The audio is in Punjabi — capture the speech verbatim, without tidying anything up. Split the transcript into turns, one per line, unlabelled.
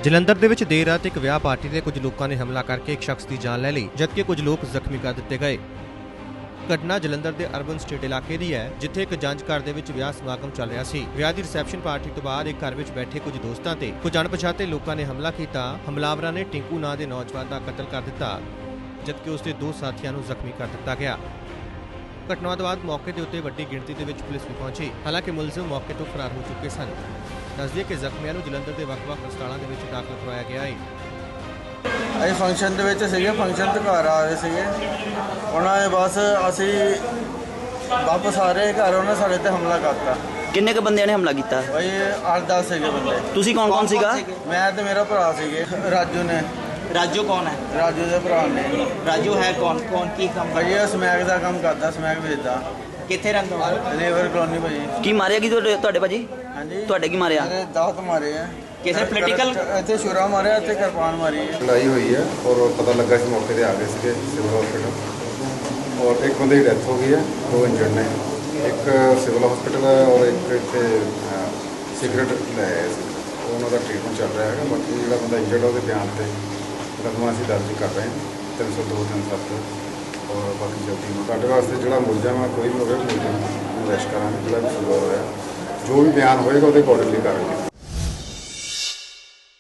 ਜਲੰਧਰ ਦੇ ਵਿੱਚ ਦੇਰ ਰਾਤ ਇੱਕ ਵਿਆਹ ਪਾਰਟੀ ਤੇ ਕੁਝ ਲੋਕਾਂ ਨੇ ਹਮਲਾ ਕਰਕੇ ਇੱਕ ਸ਼ਖਸ ਦੀ ਜਾਨ ਲੈ ਲਈ, ਜਦਕਿ ਕੁਝ ਲੋਕ ਜ਼ਖਮੀ ਕਰ ਦਿੱਤੇ ਗਏ। ਘਟਨਾ ਜਲੰਧਰ ਦੇ ਅਰਬਨ ਸਟੇਟ ਇਲਾਕੇ ਦੀ ਹੈ, ਜਿੱਥੇ ਇੱਕ ਜੰਜ ਘਰ ਦੇ ਵਿੱਚ ਵਿਆਹ ਸਮਾਗਮ ਚੱਲ ਰਿਹਾ ਸੀ। ਵਿਆਹ ਦੀ ਰਿਸੈਪਸ਼ਨ ਪਾਰਟੀ ਤੋਂ ਬਾਅਦ ਇੱਕ ਘਰ ਵਿੱਚ ਬੈਠੇ ਕੁਝ ਦੋਸਤਾਂ ਤੇ ਕੁਝ ਅਣਪਛਾਤੇ ਲੋਕਾਂ ਨੇ ਹਮਲਾ ਕੀਤਾ। ਹਮਲਾਵਰਾਂ ਨੇ ਟਿੰਕੂ ਨਾਂ ਦੇ ਨੌਜਵਾਨ ਦਾ ਕਤਲ ਕਰ ਦਿੱਤਾ, ਜਦਕਿ ਉਸ ਦੇ ਦੋ ਸਾਥੀਆਂ ਨੂੰ ਜ਼ਖਮੀ ਕਰ ਦਿੱਤਾ ਗਿਆ। ਘਟਨਾ ਤੋਂ ਬਾਅਦ ਮੌਕੇ ਦੇ ਉੱਤੇ ਵੱਡੀ ਗਿਣਤੀ ਦੇ ਵਿੱਚ ਪੁਲਿਸ ਵੀ ਪਹੁੰਚੀ, ਹਾਲਾਂਕਿ ਮੁਲਜ਼ਮ ਮੌਕੇ ਤੋਂ ਫਰਾਰ ਹੋ ਚੁੱਕੇ ਸਨ। ਦੱਸਦੇ ਕਿ ਜ਼ਖਮੀਆਂ ਨੂੰ ਜਲੰਧਰ ਦੇ ਵੱਖ-ਵੱਖ ਹਸਪਤਾਲਾਂ ਦੇ ਵਿੱਚ ਦਾਖਲ ਕਰਵਾਇਆ ਗਿਆ ਹੈ।
ਅਸੀਂ ਫੰਕਸ਼ਨ ਦੇ ਵਿੱਚ ਸੀਗੇ, ਫੰਕਸ਼ਨ ਤੋਂ ਘਰ ਆ ਰਹੇ ਸੀਗੇ। ਉਹਨਾਂ ਨੇ ਬਸ ਅਸੀਂ ਵਾਪਸ ਆ ਰਹੇ ਘਰ, ਉਹਨਾਂ ਸਾਡੇ ਤੇ ਹਮਲਾ ਕਰਤਾ।
ਕਿੰਨੇ ਕ ਬੰਦਿਆਂ ਨੇ ਹਮਲਾ ਕੀਤਾ?
ਭਾਈ ਅੱਠ ਦਸ ਸੀਗੇ ਬੰਦੇ।
ਤੁਸੀਂ ਕੌਣ ਕੌਣ ਸੀਗਾ?
ਮੈਂ ਤੇ ਮੇਰਾ ਭਰਾ ਸੀਗੇ। ਰਾਜੂ ਨੇ।
ਰਾਜੂ ਕੌਣ ਹੈ?
ਰਾਜੂ ਦੇ ਭਰਾ ਨੇ।
ਰਾਜੂ ਹੈ ਕੌਣ? ਕੌਣ ਕੀ ਕੰਮ?
ਭਾਈ ਇਹ ਸਮੈਕ ਦਾ ਕੰਮ ਕਰਦਾ, ਸਮੈਕ ਵੇਚਦਾ।
ਕਿੱਥੇ ਰਹਿੰਦਾ ਹੋ?
ਲੇਬਰ ਕਲੋਨੀ ਭਾਈ।
ਕੀ ਮਾਰਿਆ ਕੀ ਤੁਹਾਡੇ ਤੁਹਾਡੇ ਭਾਜੀ?
ਹਾਂਜੀ
ਤੁਹਾਡੇ ਕੀ ਮਾਰਿਆ?
ਮੇਰੇ ਦਾਤ ਮਾਰੇ ਆ।
ਕਿਸੇ ਪੋਲੀਟੀਕਲ
ਇੱਥੇ ਛੁਰਾ ਮਾਰਿਆ, ਇੱਥੇ ਕਿਰਪਾਨ ਮਾਰੀ ਹੈ।
ਲੜਾਈ ਹੋਈ ਹੈ ਔਰ ਪਤਾ ਲੱਗਾ ਸੀ ਮੌਕੇ ਤੇ ਆ ਗਏ ਸੀਗੇ ਸਿਵਲ ਹਸਪੀਟਲ, ਔਰ ਇੱਕ ਬੰਦੇ ਦੀ ਡੈਥ ਹੋ ਗਈ ਹੈ, ਦੋ ਇੰਜਰਡ ਨੇ। ਇੱਕ ਸਿਵਲ ਹਸਪੀਟਲ ਹੈ ਔਰ ਇੱਕ ਇੱਥੇ ਸਿਗਰਟ ਲੈ ਆਏ ਸੀ, ਉਹਨਾਂ ਦਾ ਟ੍ਰੀਟਮੈਂਟ ਚੱਲ ਰਿਹਾ ਹੈਗਾ। ਬਾਕੀ ਜਿਹੜਾ ਬੰਦਾ ਇੰਜਰਡ ਉਹਦੇ ਬਿਆਨ ਤੇ ਮੁਕੱਦਮਾ ਅਸੀਂ ਦਰਜ ਕਰ ਰਹੇ ਹਾਂ ਤਿੰਨ ਸੌ ਦੋ ਤਿੰਨ ਸੱਤ। ਔਰ ਬਾਕੀ ਜਲਦੀ ਨੂੰ ਤੁਹਾਡੇ ਵਾਸਤੇ ਜਿਹੜਾ ਮੁਲਜ਼ਮ ਹੈ ਕੋਈ ਵੀ ਹੋਵੇ, ਮੁਲਜ਼ਮ ਨੂੰ ਅਰੈਸਟ ਕਰਾਂਗੇ। ਜਿਹੜਾ ਵੀ ਸੁਣਵਾ ਹੋਇਆ ਜੋ ਵੀ ਬਿਆਨ ਹੋਏਗਾ ਉਹਦੇ ਅਕੋਰਡਿੰਗਲੀ ਕਰਾਂਗੇ।